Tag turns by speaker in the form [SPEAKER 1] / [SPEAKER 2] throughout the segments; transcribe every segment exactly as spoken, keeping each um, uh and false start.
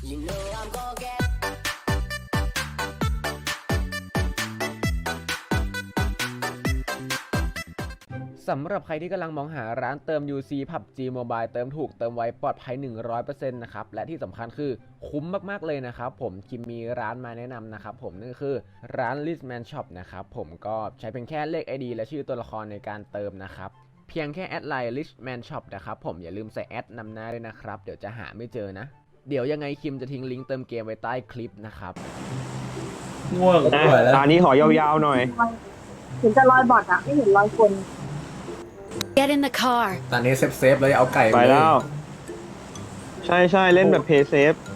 [SPEAKER 1] สำหรับใครที่กำลังมองหาร้านเติม ยู ซี พับจี Mobile เติมถูกเติมไวปลอดภัย หนึ่งร้อยเปอร์เซ็นต์ นะครับและที่สำคัญคือคุ้มมากๆเลยนะครับผมคิมมีร้านมาแนะนำนะครับผมนั่นก็คือร้าน Richman Shop นะครับผมก็ใช้เป็นแค่เลข ไอ ดี และชื่อตัวละครในการเติมนะครับเพียงแค่แอดไลน์ Richman Shop นะครับผมอย่าลืมใส่แอดนำหน้าด้วยนะครับเดี๋ยวจะหาไม่เจอนะเดี๋ยวยังไงคิมจะทิ้งลิงก์เติมเกมไว้ใต้คลิปนะครับ
[SPEAKER 2] ง่วงนะตอนนี้ขอยาวๆหน่อย
[SPEAKER 3] เห็นจะรอยบอดอะไม่เห็นรอยคน
[SPEAKER 4] Get in the car
[SPEAKER 1] ตอนนี้เซฟเซฟเลยเอาไก่
[SPEAKER 2] ไปแล้วใช่ใช่เล่นแบบเพย์เซฟ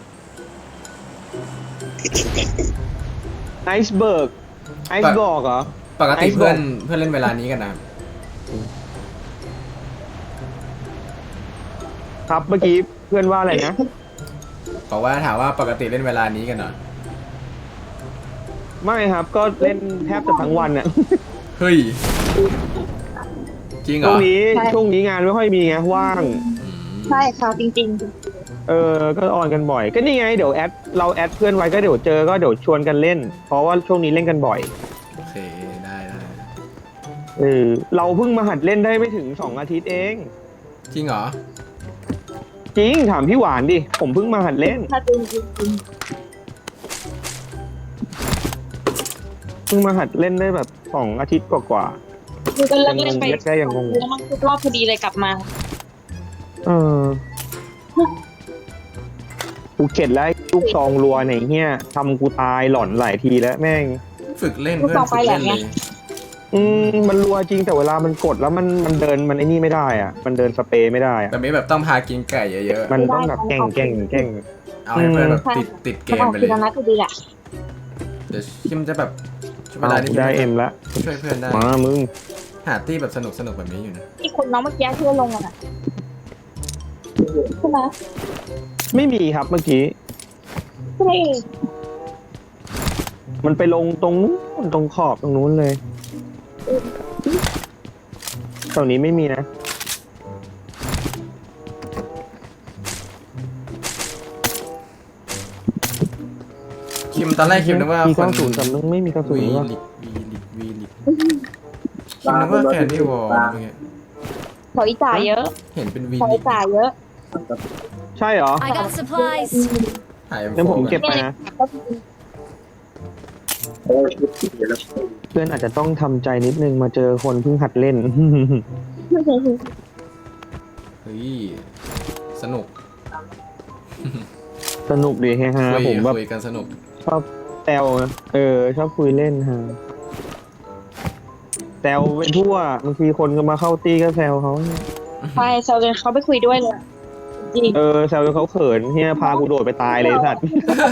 [SPEAKER 2] ไอซ์เบิร์กไอซ์บอกเหรอ
[SPEAKER 1] ปกติเพื่อนเพื่อนเล่นเวลานี้กัน
[SPEAKER 2] นะครับเมื่อกี้เพื่อนว่าอะไรนะ
[SPEAKER 1] บอกว่าถามว่าปกติเล่นเวลานี้กันเหรอ
[SPEAKER 2] ไม่ครับก็เล่นแทบจะทั้งวันอะ
[SPEAKER 1] เฮ้ยจริงเหรอ
[SPEAKER 2] ช่วงนี้ช่วงนี้งานไม่ค่อยมีไงว่าง
[SPEAKER 3] ใช่ค่ะจริง
[SPEAKER 2] ๆเออก็ออนกันบ่อยก็นี่ไงเดี๋ยวแอดเราแอดเพื่อนไว้ก็เดี๋ยวเจอก็เดี๋ยวชวนกันเล่นเพราะว่าช่วงนี้เล่นกันบ่อย
[SPEAKER 1] โอเคได้ได้
[SPEAKER 2] เออเราเพิ่งมาหัดเล่นได้ไม่ถึงสองอาทิตย์เอง
[SPEAKER 1] จริงเหรอ
[SPEAKER 2] จริงถามพี่หวานดิผมเพิ่งมาหัดเล่น
[SPEAKER 3] จริงจริง
[SPEAKER 2] เพิ่งมาหัดเล่นได้แบบสองอาทิตย์กว่า
[SPEAKER 3] ๆคือก็เลิกเล่นไป
[SPEAKER 2] แค่ยังงง
[SPEAKER 3] แล้วมันรอบพอดีเลยกลับมา
[SPEAKER 2] เออกูเข็ดแล้วลูกซองรัวไหนเฮียทำกูตายหลอนหลายทีแล้วแม่ง
[SPEAKER 1] ฝึกเล่นเพื่อนฝึกเล่นเลย
[SPEAKER 2] อืมมันรัวจริงแต่เวลามันกดแล้วมันมันเดินมันไอ้นี่ไม่ได้อ่ะมันเดินสเปรย์ไม่ได้อ่ะ
[SPEAKER 1] แต่ไม่แบบต้องพากินไก่เยอะ
[SPEAKER 2] ๆมันต้องแบบแก่งแก่งแก่ง
[SPEAKER 1] เอาให้เพื่อนแบบติดติดเกมไปเลย
[SPEAKER 3] นัดก็ดีแหละ
[SPEAKER 1] เดี๋ยวคิมจะแบบเวลาที่
[SPEAKER 2] ได้เอ็มละ
[SPEAKER 1] ช่วยเพื่อนได้
[SPEAKER 2] มามึง
[SPEAKER 1] หาตี้แบบสนุกสนุกแบบนี้อยู่นะ
[SPEAKER 3] ที่คนน้องเมื่อกี้ที่ลงอ่ะใช่ไหม
[SPEAKER 2] ไม่มีครับเมื่อกี้
[SPEAKER 3] ใช่
[SPEAKER 2] มันไปลงตรงนู้นตรงขอบตรงนู้นเลยตรงนี้ไม่มีนะ
[SPEAKER 1] คิมตอนแรกคิมนึกว่า
[SPEAKER 2] มีกระสุนแต่มึงไม่มีกระสุน
[SPEAKER 1] วีลิกวีลิกวีลิกคิมนึกว่าแคนดี้วอลอะไรเงี้ย
[SPEAKER 3] ถอยจ่ายเยอะ
[SPEAKER 1] เห็นเป็นวี
[SPEAKER 3] ถอยจ่ายเยอะ
[SPEAKER 2] ใช่เหรอ
[SPEAKER 4] I got supplies
[SPEAKER 2] เดี๋ยวผมเก็บไปนะเพื่อนอาจจะต้องทำใจนิดนึงมาเจอคนเพิ่งหัดเล่น
[SPEAKER 1] เฮ้ยสนุก
[SPEAKER 2] สนุกดีฮะผมแบบ
[SPEAKER 1] คุยกันสนุก
[SPEAKER 2] ชอบแซวเออชอบคุยเล่นฮะแซวไปทั่วบางทีคนก็มาเข้าตีก็แซวเขา
[SPEAKER 3] ใช่แซวจนเขาไปคุยด้วยเลยจริง
[SPEAKER 2] เออแซวจนเขาเขินเฮียพากูโดดไปตายเลยสัตว์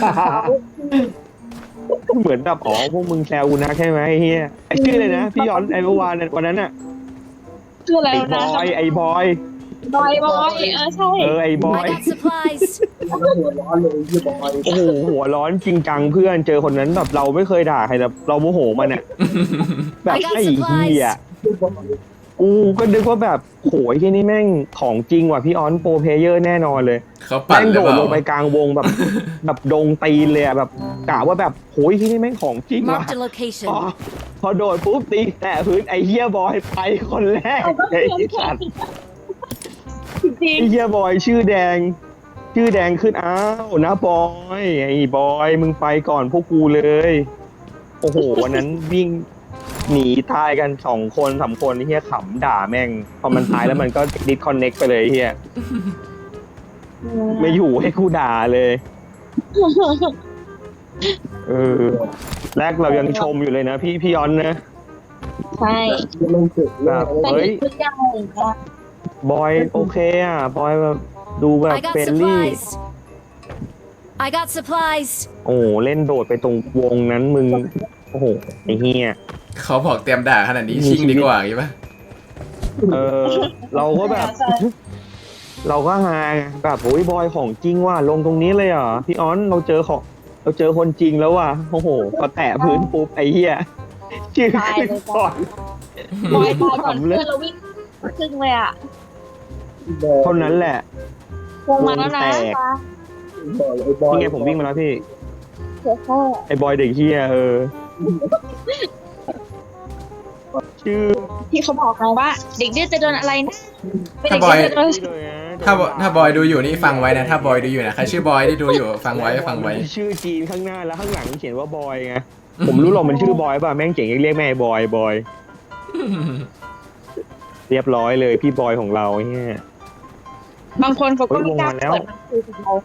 [SPEAKER 2] เหมือนแบบอ๋อพวกมึงแซวกูนะใช่ไหมเฮียไอชื่อเลยนะพี่ย้อนไอเมื่อวานวันนั้นอ่ะ
[SPEAKER 3] ชื่ออะไรนะ
[SPEAKER 2] ไอไอบอย
[SPEAKER 3] บอยบอยเออใช่
[SPEAKER 2] เออไอบอยโอ้โหหัวร้อนจริงจังเพื่อนเจอคนนั้นแบบเราไม่เคยด่าใครแบบเราโมโหมันอ่ะแบบไอ้เหี้ยกูก็นึกว่าแบบโหยที่นี่แม่งของจริงว่ะพี่ออนโปรเพเยอร์แน่นอนเลย
[SPEAKER 1] แม่
[SPEAKER 2] งโดดลงไปกลางวงแบบแบบดงตีนเลยอ่ะแบบกะว่าแบบโหยที่นี่แม่งของจริงว่ะพอโดดปุ๊บตีแต่พื้นไอ้เหี้ยบอยไปคนแรกไอ้สัตว์ไอ้เหี้ยบอยชื่อแดงชื่อแดงขึ้นอ้าวนะบอยไอ้บอยมึงไปก่อนพวกกูเลยโอ้โหวันนั้นวิ่งหนีตายกันสองคนสามคนเฮียขำด่าแม่งพอมันตายแล้วมันก็ดิสคอนเน็กไปเลยเฮียไม่อยู่ให้กูด่าเลยเออแรกเรายังชมอยู่เลยนะพี่พี่ย้อนนะ
[SPEAKER 3] ใช่
[SPEAKER 2] แบบเฮ้ยบอยโอเคอ่ะบอยแบบดูแบบเฟรนลี่
[SPEAKER 4] I got supplies
[SPEAKER 2] โอ้เล่นโดดไปตรงวงนั้นมึงโอ้โหไอ้เฮีย
[SPEAKER 1] เขาบอกเตรียมด่าขนาดนี้ชิงดีกว่าใช่ไหม
[SPEAKER 2] เออเราก็แบบเราก็ฮาแบบโอ้ยบอยของจริงว่ะลงตรงนี้เลยเหรอพี่ออนเราเจอของเราเจอคนจริงแล้วว่ะโอ้โหพอแตะพื้นปุ๊บไอ้เหี้ยชื่อขึ้นก่อน
[SPEAKER 3] บอยบอยก่อนเพื่อนเราวิ่งครึ่งเลยอ่ะ
[SPEAKER 2] เท่านั้นแหละ
[SPEAKER 3] วงมาแล้วนะ
[SPEAKER 2] นี่ไงผมวิ่งมาแล้วพี่
[SPEAKER 3] เสือพ่อ
[SPEAKER 2] ไอ้บอยเด็กเฮียเออ ชื่อ
[SPEAKER 3] ที่เขาบอกมาว่า เด็กดื้อจะโดนอะไรนะเป็นเด็ก
[SPEAKER 5] ถ้าบอย
[SPEAKER 3] ดื้อจะโดน
[SPEAKER 5] ถ้าบถ้าบอยดูอยู่นี่ฟังไว้นะถ้าบอยดูอยู่นะใครชื่อบอยที่ดูอยู่ฟังไว้ฟังไว้
[SPEAKER 2] ชื่อจีนข้างหน้าแล้วข้างหลังเขียนว่าบอยไง ผมรู้หรอกมันชื่อบอยป่ะแม่งเจ๋งเรียกแม่บอยบอย เรียบร้อยเลยพี่บอยของเราเนี่ย
[SPEAKER 3] บางคนเขาก็ไม่กล้า
[SPEAKER 2] เฮ้ยลงมาแล้ว
[SPEAKER 3] เปิดมาคุยกับเรา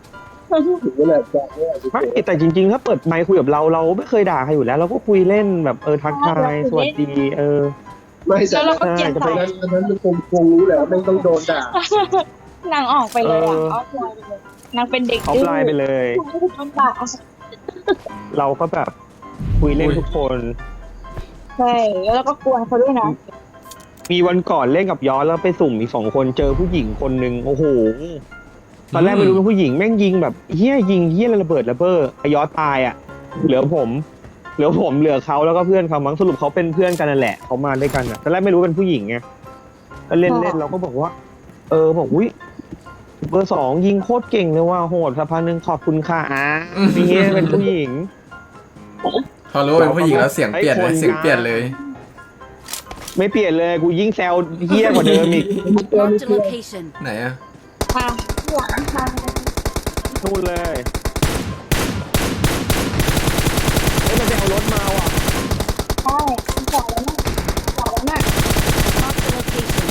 [SPEAKER 2] ไม่แต่จริงๆ ถ้าเปิดไมค์คุยกับเราเราไม่เคยด่าใครอยู่แล้ว เราก็คุยเล่นแบบเออทักทายสวัสดีเออ
[SPEAKER 6] ไม่
[SPEAKER 3] แล้
[SPEAKER 6] ใช่
[SPEAKER 3] วเราก็เกลียด
[SPEAKER 2] จะ
[SPEAKER 3] ใส่
[SPEAKER 2] ไป
[SPEAKER 6] อันนั้นมันคงคงรู้แหละว่าไม่ต้องโดนด่าน
[SPEAKER 3] างออกไปเลยอ่ะ
[SPEAKER 2] เออ
[SPEAKER 3] ออฟไลน์ไปเลยนางเป็นเด็ก
[SPEAKER 2] ออฟ
[SPEAKER 3] ดื้อ
[SPEAKER 2] ไลน์ไปเลย
[SPEAKER 3] ไม่ได้ทำบาป
[SPEAKER 2] เราก็แบบคุยเล่น
[SPEAKER 5] อุ้ย
[SPEAKER 2] ทุกคน
[SPEAKER 3] ใช่แล้วเราก็กวนเขาด้วยนะ
[SPEAKER 2] มีวันก่อนเล่นกับย้อนแล้วไปสุ่มอีกสองคนเจอผู้หญิงคนหนึ่งโอ้โหตอนแรกไม่รู้เป็นผู้หญิงแม่งยิงแบบเฮี้ยยิงเฮี้ยระเบิดระเบ้อไอ้ย้อนตายอ่ะ เหลือผม เหลือผมเหลือเขาแล้วก็เพื่อนเขามั้งสรุปเขาเป็นเพื่อนกันนั่นแหละเขามาด้วยกันอ่ะตอนแรกไม่รู้เป็นผู้หญิงไงก็เล่นเล่นเราก็บอกว่า เออบอกอุ้ยเบอร์สองยิงโคตรเก่งเลยว่าโหดสักพักหนึ่งขอบคุณค่ะอ่ะนี่เป็นผู้หญิง
[SPEAKER 5] พอรู้ว่าเป็นผู้หญิงแล้วเสียงเปลี่ยนเลยเสียงเปลี่ยนเลย
[SPEAKER 2] ไม่เปลี่ยนเลยกูยิ่งแซวเฮี้ยกว่าเดิมอีก
[SPEAKER 4] Marked a location.
[SPEAKER 5] ไหนอะ
[SPEAKER 3] ค่ะหลังทาง
[SPEAKER 2] นู่นเลยเฮ้ยมันจะเอารถมาว่ะ
[SPEAKER 3] ใช่จอดแล้วน่ะจอดแล้วน่ะ
[SPEAKER 4] Marked a location.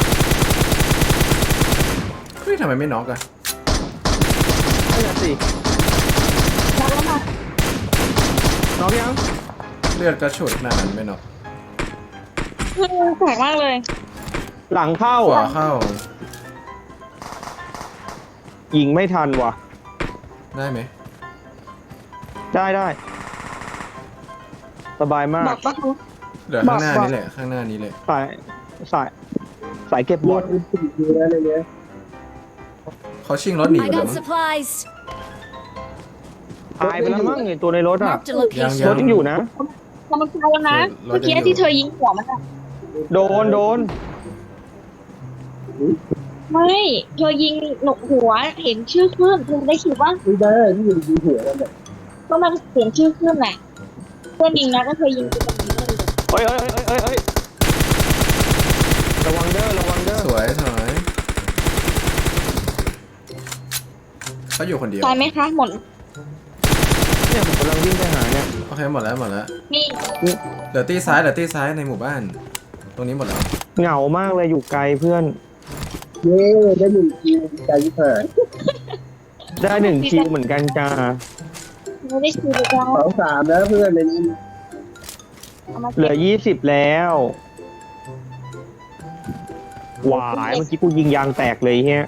[SPEAKER 5] เฮ้ยทำไมไม่น็อกอะ
[SPEAKER 2] นั่นน่ะสิ
[SPEAKER 3] จอดแล้วน่ะ
[SPEAKER 2] น้องยัง
[SPEAKER 5] เลือดกระฉุดขนาดนั้นไม่น็อก
[SPEAKER 3] คือแปลกมากเลย
[SPEAKER 2] หลังเข้า
[SPEAKER 5] ขวา
[SPEAKER 2] อ่ะ
[SPEAKER 5] เข้า
[SPEAKER 2] ยิงไม่ทันว่ะ
[SPEAKER 5] ได้ไหม
[SPEAKER 2] ได้ได้สบายมา
[SPEAKER 3] บ
[SPEAKER 2] ก
[SPEAKER 3] อกว่าเขา
[SPEAKER 5] เหลือข้างหน้า
[SPEAKER 3] บอก
[SPEAKER 5] นี้แหละข้างหน้านี้เลย
[SPEAKER 2] สายสายสายเก็บบอล
[SPEAKER 6] ดูแลอะไรเงี้ย
[SPEAKER 5] เขาชิงรถหนี
[SPEAKER 4] I
[SPEAKER 5] ไปแล้ว
[SPEAKER 4] got
[SPEAKER 5] มั้ง
[SPEAKER 4] supplies.
[SPEAKER 2] ตายไปแล้วมั้งไอ้ตัวในรถอ่ะ
[SPEAKER 4] Marked a
[SPEAKER 5] ยัง
[SPEAKER 4] location.
[SPEAKER 2] รถยังอยู่นะ
[SPEAKER 3] กำลังตายแล้วนะ
[SPEAKER 5] รถยังอยู่
[SPEAKER 3] เมื่อกี้ที่เธอยิงหัวมันอะ
[SPEAKER 2] โดนโดน
[SPEAKER 3] ไม่เธอยิงหนกหัวเห็นชื่อขึ้นเธอได้คิดว่า
[SPEAKER 6] ไม่ได้ที่อยู่ดีหัวนั่นแหละ
[SPEAKER 3] ก็มันเห็นชื่อขึ้นแหละเพื่อนยิงนะก็เธอยิงไปตรงนี้เลย
[SPEAKER 2] เฮ้ยเฮ้ยเฮ้ยเฮ้ยเฮ้ยระวังเด้อระวังเด้อ
[SPEAKER 5] สวยสวยเขาอยู่คนเดียว
[SPEAKER 3] ตายไหมคะหมด
[SPEAKER 2] เนี่ยผมกำลังวิ่งไปหาเนี่ย
[SPEAKER 5] โอเคหมดแล้วหมดแล้ว
[SPEAKER 3] นี่
[SPEAKER 5] เหลือตีซ้ายเหลือตีซ้ายในหมู่บ้าน ตรงนี้หมดแล้ว
[SPEAKER 2] เหงามากเลยอยู่ไกลเพื่อน
[SPEAKER 6] เย้ได้หนึ่งคิวใจยิ่งหาย
[SPEAKER 2] ได้หนึ่งคิวเหมือนกันจ้า
[SPEAKER 3] ไม่ได้คิวเลยจ้า
[SPEAKER 6] สองสามนะเพื่อนในนี้
[SPEAKER 3] เอามา
[SPEAKER 2] เหลื
[SPEAKER 3] เก็
[SPEAKER 2] อบยี่สิบแล้วหวายเมื่อกี้กูยิงยางแตกเลยเฮีย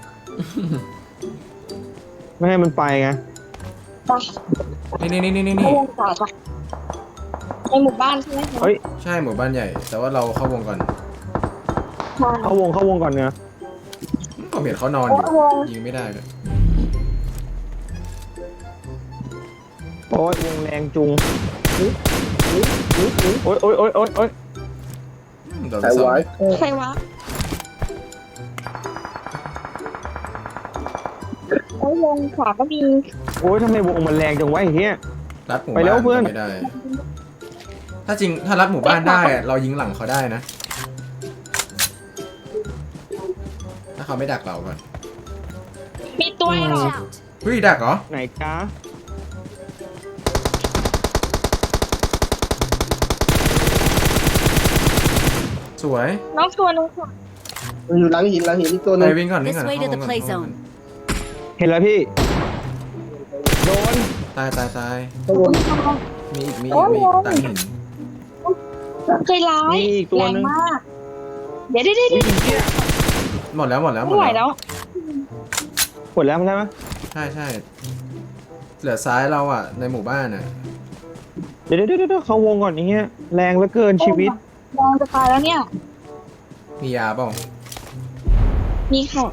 [SPEAKER 2] ไม่ให้มันไปไง
[SPEAKER 3] ไป
[SPEAKER 5] นี่นี่นี่นี่
[SPEAKER 3] เข้า
[SPEAKER 5] นี่
[SPEAKER 3] วงต่อจ้ะในหมู่บ้านใช่ไหมคะ
[SPEAKER 2] เฮ้ย
[SPEAKER 5] ใช่หมู่บ้านใหญ่ แต่ว่าเราเข้าวงก่อน
[SPEAKER 3] ใช่
[SPEAKER 2] เข้าวงเข้าวงก่อนเนอะ
[SPEAKER 5] ก็เห็นเขานอนอยู่
[SPEAKER 3] เข้าวง
[SPEAKER 5] ยิงไม่ได้เลย
[SPEAKER 2] โอ้ยวงแรงจุงโอ้ยโอ้ยโอ้ยโอ้ยโอ้ย
[SPEAKER 5] โดนไป
[SPEAKER 6] สาย
[SPEAKER 5] สอง
[SPEAKER 6] ไว้
[SPEAKER 5] เลย
[SPEAKER 3] ใครวะโอ้ยวงขวาก็มี
[SPEAKER 2] โอ้ยทำไมวงมันแรงจังวะไอ้เฮีย
[SPEAKER 5] รัดหมู่
[SPEAKER 2] ไป
[SPEAKER 5] บ้าน
[SPEAKER 2] แล้วเพื่อน
[SPEAKER 5] ไม่ได้ ถ้าจริงถ้ารัดหมู่บ้านได้อะเรายิงหลังเขาได้นะ ถ้าเขาไม่ดักเราก่อน
[SPEAKER 3] มีตัวให้เรา
[SPEAKER 4] Watch out.
[SPEAKER 5] เฮ้ยดักเหรอ
[SPEAKER 2] ไหนจ้า
[SPEAKER 5] สวย
[SPEAKER 3] น้องตัวนึงค่ะ
[SPEAKER 6] มันอยู่หลังหินหลังหินอีกตัวห
[SPEAKER 5] ไป
[SPEAKER 6] นึง
[SPEAKER 5] วิ่งก่อนวิ่ง
[SPEAKER 4] This
[SPEAKER 5] ก่อน
[SPEAKER 4] way to
[SPEAKER 5] เข้าว
[SPEAKER 4] the
[SPEAKER 5] งก่อน
[SPEAKER 4] play
[SPEAKER 5] เข้าวงก่อน
[SPEAKER 4] zone.
[SPEAKER 2] เห็นแล้วพี่โดน
[SPEAKER 5] ตายตายตาย
[SPEAKER 6] ข้างบน
[SPEAKER 5] มีอีกมีอีกมีอีกตายหิน
[SPEAKER 3] ใจร้าย
[SPEAKER 2] มีอีกตัว
[SPEAKER 3] แรง
[SPEAKER 2] นึง
[SPEAKER 3] มาก เดี๋ยวเดี๋ยวเดี๋ยว
[SPEAKER 2] วิ่งเหี้ย
[SPEAKER 5] หมดแล้วหมดแล้วหม
[SPEAKER 3] ไม่
[SPEAKER 5] ด
[SPEAKER 3] ไหว
[SPEAKER 5] แล้ว
[SPEAKER 3] แล้ว
[SPEAKER 2] หมดแล้วใช่ไหม
[SPEAKER 5] ใช่ใช่เหลือซ้ายเราอ่ะในหมู่บ้านอ่ะ
[SPEAKER 2] เดี๋ยวเดี๋ยวเดี๋ยวเข้าวงก่อนไอ้เงี้ยแรงเหลือเกินชีวิต
[SPEAKER 3] มองจะตายแล้วเนี่ย
[SPEAKER 5] มียาเปล่า
[SPEAKER 3] มีค่ะ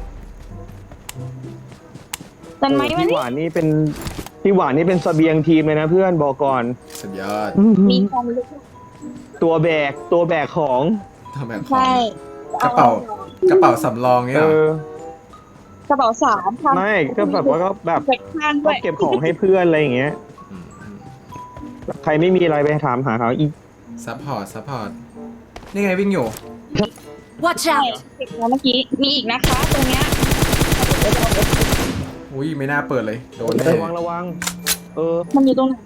[SPEAKER 3] ตันไหมมัน
[SPEAKER 2] พี่หวานนี่เป็นพี่หวานนี่เป็นเสบียงทีมเลยนะเพื่อนบอกก่อน
[SPEAKER 5] สุดยอด
[SPEAKER 3] มีความลึก
[SPEAKER 2] ตัวแบกตัวแบกของ
[SPEAKER 5] ทำแบบของ
[SPEAKER 3] ใช่
[SPEAKER 5] กระเป๋ากระเป๋าสำรองเนี่ย
[SPEAKER 2] เอ
[SPEAKER 5] เหรอ
[SPEAKER 2] อ
[SPEAKER 3] กระเป๋าสามทำ
[SPEAKER 2] ไม่ก็แบบว่าก็แบบ
[SPEAKER 3] เก็บข้าง
[SPEAKER 2] ก็
[SPEAKER 3] ด้วย
[SPEAKER 2] เก็บของให้เพื่อนอะไรอย่างเงี้ย
[SPEAKER 5] อืมอืม
[SPEAKER 2] ใครไม่มีอะไรไปถามหาเขาอีก
[SPEAKER 5] ซัพพอร์ตซัพพอร์ตนี่ไงวิ่งอยู่
[SPEAKER 4] Watch
[SPEAKER 3] ใช่
[SPEAKER 4] out!
[SPEAKER 3] เก็บแล้วเมื่อกี้มีอีกนะคะตรงเนี้ย
[SPEAKER 5] อุ้ยไม่น่าเปิดเลยโดนแน่
[SPEAKER 2] ระวังระวัง เออ
[SPEAKER 3] มันอยู่ตรงไหน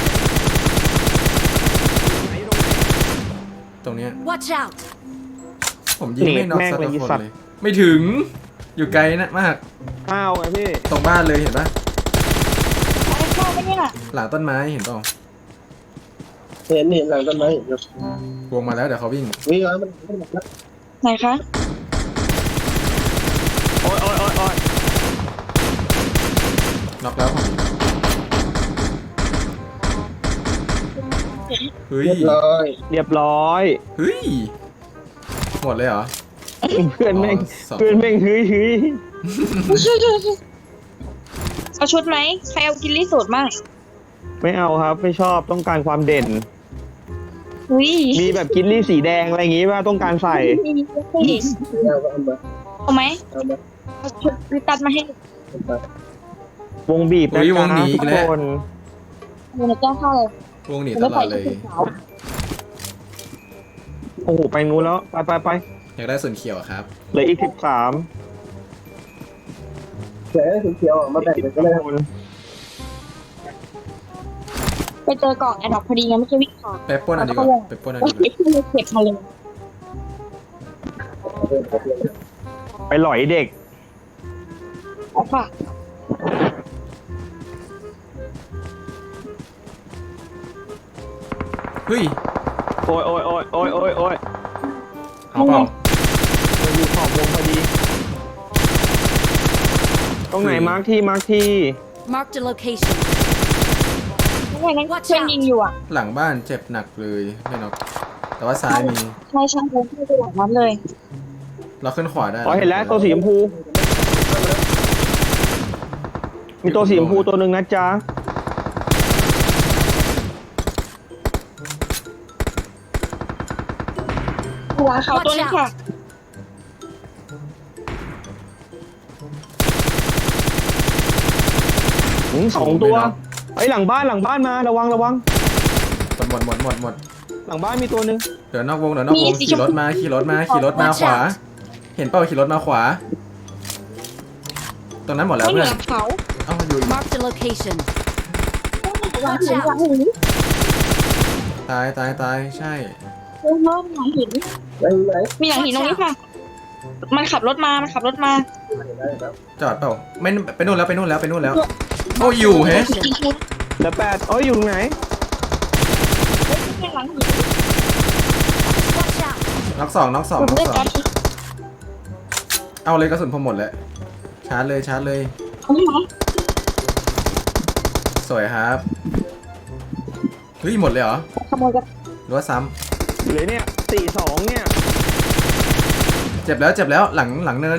[SPEAKER 5] ตรงเนี้ย
[SPEAKER 4] Watch out!
[SPEAKER 5] ผมยิงไม่น็อก
[SPEAKER 2] แม่ง
[SPEAKER 5] สัก
[SPEAKER 2] เลย
[SPEAKER 5] คน
[SPEAKER 2] สัตว์
[SPEAKER 5] เลย ไม่ถึงอยู่ไกลนะมาก
[SPEAKER 2] ข้าวไงพี่
[SPEAKER 5] ตรงบ้านเลยเห็นปะ
[SPEAKER 3] ใช้เข้าไปเนี่ย
[SPEAKER 5] หลังต้นไม้เห็นเปล่า
[SPEAKER 6] เห็นเห็นหลังต้นไม้เห็นอยู่
[SPEAKER 5] วงมาแล้วเดี๋ยวเขาวิ่ง
[SPEAKER 6] วิ่งแล้วมันมันมัน
[SPEAKER 3] ไหนคะ
[SPEAKER 2] โอ้ยโอ้ยโอ้ยโอ้ย
[SPEAKER 5] น็อกแล้วผมเฮ้ย
[SPEAKER 6] เรียบร้อย
[SPEAKER 2] เรียบร้อย
[SPEAKER 5] เฮ้ยหมดเลยเหรอ
[SPEAKER 2] เพื่อนแม่ง
[SPEAKER 5] อ๋อสอง
[SPEAKER 2] เพื่อนแม่งฮึยฮึย
[SPEAKER 3] เอาชุดไหมใครเอากินลี่สูตรมั่ง
[SPEAKER 2] ไม่เอาครับ ไม่ชอบต้องการความเด่น
[SPEAKER 3] อุ้ย
[SPEAKER 2] มีแบบกินลี่สีแดงอะไรอย่างงี้ว่าต้องการใส่
[SPEAKER 3] มีมีมี
[SPEAKER 6] เอาก็เอามา
[SPEAKER 3] เอาไหม
[SPEAKER 6] เอามา
[SPEAKER 3] เอาชุดลิตัดมาให้
[SPEAKER 6] เอามา
[SPEAKER 2] วงบีบนะ
[SPEAKER 5] อุ๊ยว
[SPEAKER 2] จ๊ะ
[SPEAKER 5] งหนีอี
[SPEAKER 2] ทุ
[SPEAKER 5] ก
[SPEAKER 2] ก
[SPEAKER 5] แล้ว
[SPEAKER 2] คน
[SPEAKER 3] เดี๋ยวหนูแจ้งเข้าเลยว
[SPEAKER 5] งหนี
[SPEAKER 3] หนู
[SPEAKER 5] ต
[SPEAKER 3] ไม่
[SPEAKER 5] ล
[SPEAKER 3] ใส่
[SPEAKER 5] อดเลย
[SPEAKER 3] ชุดขาว
[SPEAKER 2] โอ้โหไปนู้นแล้วไปไปไป
[SPEAKER 5] อยากได้ส่วนเขียวครับ
[SPEAKER 2] เหลืออีกสิบสาม
[SPEAKER 6] เขียวเขียวออกมาแบ่งกันก็ได้ครับ
[SPEAKER 3] ไปเจอกล่องแอดดอกพอดีไงไม่ใช่วิ่งผ่าน
[SPEAKER 5] ไปปล้นเอันดีกว่าไปปล้นเอัน
[SPEAKER 3] ก็
[SPEAKER 5] ดีกว่า
[SPEAKER 3] เก็บเลยเก็บมาเลย
[SPEAKER 2] ไปหลอยเด็ก
[SPEAKER 3] เอาค่ะ
[SPEAKER 5] เฮ้ย
[SPEAKER 2] โอ้ยโอ้ยโอ้ยโอ้ยโอ้ยโอ้ย
[SPEAKER 5] เอาเปล่า
[SPEAKER 2] มันอยู่ขอบวงพอดี ตรงไหน
[SPEAKER 5] คือ
[SPEAKER 2] มาร์คที่มาร์คที่
[SPEAKER 4] Marked a location.
[SPEAKER 3] ไม่ใช่นั่น
[SPEAKER 4] Watch
[SPEAKER 3] เพื่อน
[SPEAKER 4] out
[SPEAKER 3] ยิงอยู่อ่ะ
[SPEAKER 5] หลังบ้านเจ็บหนักเลยไม่น็อกแต่ว่าซ้ายมี
[SPEAKER 3] ใช่ใช่เลยที่ไปหลังนั้นเลย
[SPEAKER 5] เราขึ้นขวาได้
[SPEAKER 2] อ๋อเห็นแล้วตัวสีชมพู มีตัวสีชมพูตัวหนึ่งนะจ๊ะ
[SPEAKER 3] หัวเขาตัวนึงค่ะ
[SPEAKER 2] หืมสองตัวไอ้ยหลังบ้านหลังบ้านมาระวังระวัง
[SPEAKER 5] หมดหมดหมดหมดหมด
[SPEAKER 2] หลังบ้านมีตัวหนึ่ง
[SPEAKER 5] เดี๋ยวนอกวงเดี๋ยวนอกวง
[SPEAKER 3] มีสีช
[SPEAKER 5] ขี่
[SPEAKER 3] มพู
[SPEAKER 5] รถมาขี่รถมาขี่รถมา
[SPEAKER 4] Watch
[SPEAKER 5] ขวา
[SPEAKER 4] out
[SPEAKER 5] เห็นเปล่าขี่รถมาขวา ตรงนั้นหมดแล้ว
[SPEAKER 3] ไม่เห
[SPEAKER 5] เพื่
[SPEAKER 3] นื
[SPEAKER 5] อน
[SPEAKER 3] อเขา
[SPEAKER 5] เอ้าอยู่อีก
[SPEAKER 4] Marked a location.
[SPEAKER 3] หลังหินหลังหิน
[SPEAKER 5] ตายตายตายใช่
[SPEAKER 3] เริ่มหลังหิน
[SPEAKER 6] ไหนไหน
[SPEAKER 3] มีหลังหินตรงนี้ค่ะ มันขับรถมา มันขับรถมา
[SPEAKER 6] ได้ครับ
[SPEAKER 5] จอดเปล่าไม่ไปนู่นแล้วไปนู่นแล้วไปนู่นแล้วโอ้อยู่แฮะ
[SPEAKER 3] จริงๆเฮ้ย
[SPEAKER 2] เหลือแปดเอ้ยอยู่ตรงไหน
[SPEAKER 3] เป็นหลังหิน
[SPEAKER 4] Watch out!
[SPEAKER 5] น็อกสองน็อกสอง
[SPEAKER 3] ผม
[SPEAKER 5] น็อก
[SPEAKER 3] เลือก
[SPEAKER 5] สอ
[SPEAKER 3] กั
[SPEAKER 5] ง
[SPEAKER 3] น
[SPEAKER 5] เอาเลยกระสุนผมหมดแล้วชาร์จเลยชาร์จเลย
[SPEAKER 3] เอาไหม
[SPEAKER 5] สวยครับเฮ้ยหมดเลยเหรอ
[SPEAKER 3] ขโมยกัน
[SPEAKER 5] หรือว่าซ้
[SPEAKER 2] เหลือเนี่ยสี่สองเนี่ย
[SPEAKER 5] ำเจ็บแล้วเจ็บแล้วหลังหลังเนิน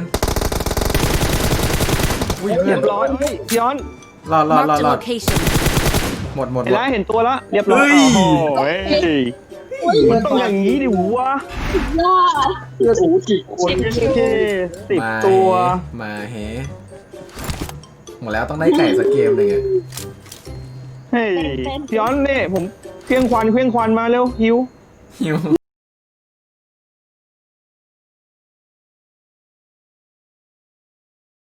[SPEAKER 5] อุ้ยเพื่
[SPEAKER 2] เรี
[SPEAKER 5] อย น
[SPEAKER 2] บร้อยเฮ้ยย้อน
[SPEAKER 5] รอดรอดรอ
[SPEAKER 4] Marked
[SPEAKER 5] ด
[SPEAKER 4] a
[SPEAKER 5] รอด
[SPEAKER 4] location.
[SPEAKER 5] หมดหมด
[SPEAKER 2] เห็น
[SPEAKER 5] หมด
[SPEAKER 2] แล้วเห็นตัวแล้วเรียบร้อย
[SPEAKER 5] เฮ้ย
[SPEAKER 2] โอ้โหมันต้องอย่างนี้ดิวะ
[SPEAKER 3] ย่า
[SPEAKER 6] เพื่อนโอ้กี่คน
[SPEAKER 2] โอเคสิบ
[SPEAKER 5] มา
[SPEAKER 2] ตัว
[SPEAKER 5] มาเฮหมดแล้วต้องได้ไก่สักเกมหนึ่งอะ
[SPEAKER 2] เฮ้ยย้อนเนี่ยผมเครื่องควันเครื่องควันมาเร็วหิว
[SPEAKER 5] หิว